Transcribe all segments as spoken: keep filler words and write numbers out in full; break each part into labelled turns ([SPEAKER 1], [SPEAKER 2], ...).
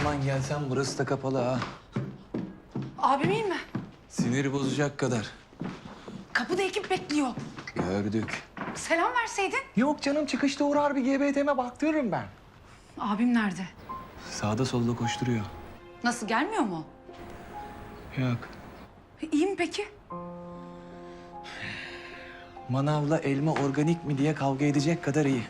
[SPEAKER 1] zaman gelsen burası da kapalı ha.
[SPEAKER 2] Abim iyi mi?
[SPEAKER 1] Siniri bozacak kadar.
[SPEAKER 2] Kapıda ekip bekliyor.
[SPEAKER 1] Gördük.
[SPEAKER 2] Selam verseydin.
[SPEAKER 1] Yok canım, çıkışta uğrar bir G B T'me baktırırım ben.
[SPEAKER 2] Abim nerede?
[SPEAKER 1] Sağda solda koşturuyor.
[SPEAKER 2] Nasıl, gelmiyor mu?
[SPEAKER 1] Yok.
[SPEAKER 2] İyi mi peki?
[SPEAKER 1] Manavla elma organik mi diye kavga edecek kadar iyi.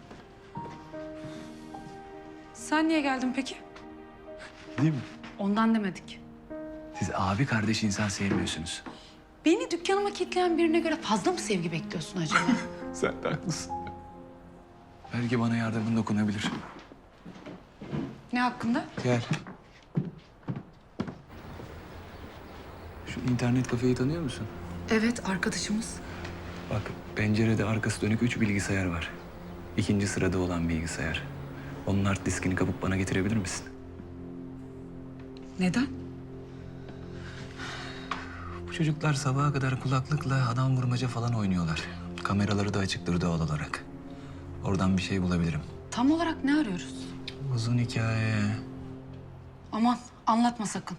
[SPEAKER 2] Sen niye geldin peki?
[SPEAKER 1] Değil mi?
[SPEAKER 2] Ondan demedik.
[SPEAKER 1] Siz abi kardeş insan sevmiyorsunuz.
[SPEAKER 2] Beni dükkanıma kilitleyen birine göre fazla mı sevgi bekliyorsun acaba?
[SPEAKER 1] Sen de haklısın. Belki bana yardımın dokunabilir.
[SPEAKER 2] Ne hakkında?
[SPEAKER 1] Gel. Şu internet kafeyi tanıyor musun?
[SPEAKER 2] Evet, arkadaşımız.
[SPEAKER 1] Bak, pencerede arkası dönük üç bilgisayar var. İkinci sırada olan bilgisayar. Onun hard diskini kapıp bana getirebilir misin?
[SPEAKER 2] Neden?
[SPEAKER 1] Bu çocuklar sabaha kadar kulaklıkla adam vurmaca falan oynuyorlar. Kameraları da açıktır doğal olarak. Oradan bir şey bulabilirim.
[SPEAKER 2] Tam olarak ne arıyoruz?
[SPEAKER 1] Uzun hikaye.
[SPEAKER 2] Aman anlatma sakın.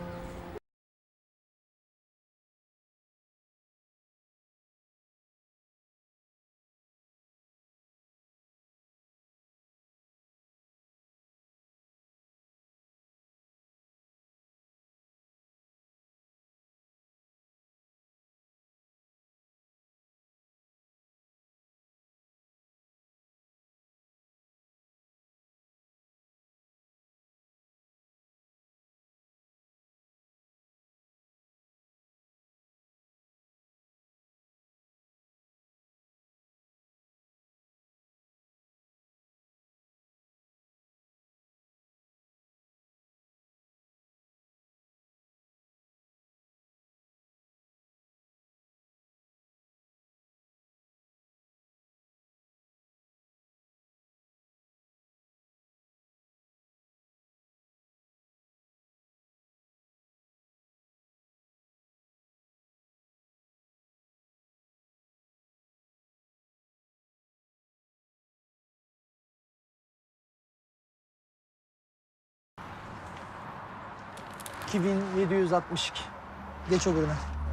[SPEAKER 3] iki bin yedi yüz altmış iki. Geç öbürüne.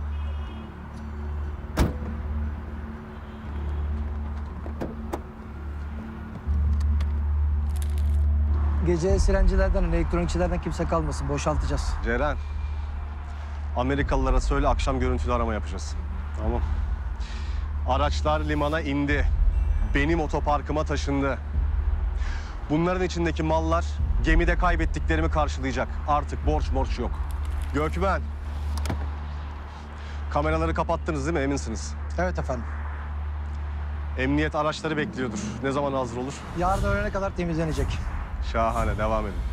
[SPEAKER 3] Gece sirencilerden, elektronikçilerden kimse kalmasın. Boşaltacağız.
[SPEAKER 4] Ceren, Amerikalılara söyle akşam görüntülü arama yapacağız. Tamam. Araçlar limana indi. Benim otoparkıma taşındı. Bunların içindeki mallar gemide kaybettiklerimi karşılayacak. Artık borç borç yok. Gökmen. Kameraları kapattınız değil mi? Eminsiniz.
[SPEAKER 3] Evet efendim.
[SPEAKER 4] Emniyet araçları bekliyordur. Ne zaman hazır olur?
[SPEAKER 3] Yarın öğlene kadar temizlenecek.
[SPEAKER 4] Şahane. Devam edin.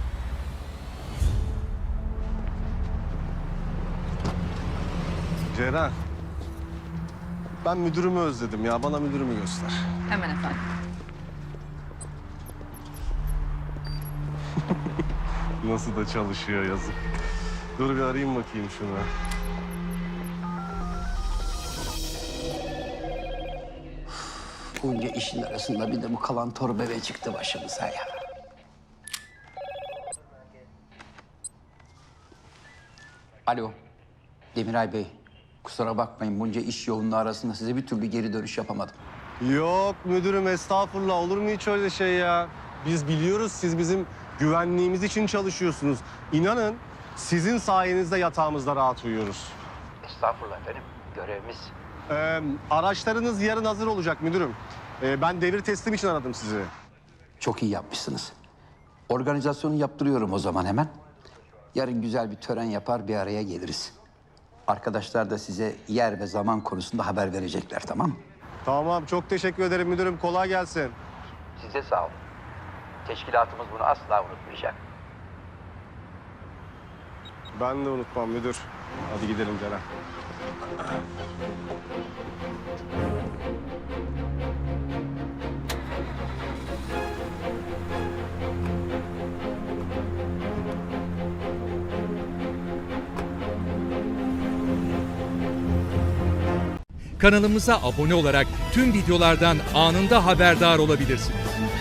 [SPEAKER 4] Ceren. Ben müdürümü özledim ya. Bana müdürümü göster.
[SPEAKER 2] Hemen efendim.
[SPEAKER 4] Nasıl da çalışıyor yazık. Dur bir arayayım bakayım şunu.
[SPEAKER 5] Bunca işin arasında bir de bu kalan torbebe çıktı başımıza ya. Alo, Demiray Bey. Kusura bakmayın, bunca iş yoğunluğu arasında size bir türlü geri dönüş yapamadım.
[SPEAKER 4] Yok müdürüm, estağfurullah, olur mu hiç öyle şey ya? Biz biliyoruz, siz bizim güvenliğimiz için çalışıyorsunuz. İnanın sizin sayenizde yatağımızda rahat uyuyoruz.
[SPEAKER 5] Estağfurullah efendim, görevimiz.
[SPEAKER 4] Ee, araçlarınız yarın hazır olacak müdürüm. Ee, ben devir teslim için aradım sizi.
[SPEAKER 5] Çok iyi yapmışsınız. Organizasyonu yaptırıyorum o zaman hemen. Yarın güzel bir tören yapar, bir araya geliriz. Arkadaşlar da size yer ve zaman konusunda haber verecekler, tamam mı?
[SPEAKER 4] Tamam, çok teşekkür ederim müdürüm. Kolay gelsin.
[SPEAKER 5] Size sağ olun. Teşkilatımız bunu asla unutmayacak.
[SPEAKER 4] Ben de unutmam müdür. Hadi gidelim Ceren.
[SPEAKER 6] Kanalımıza abone olarak tüm videolardan anında haberdar olabilirsiniz.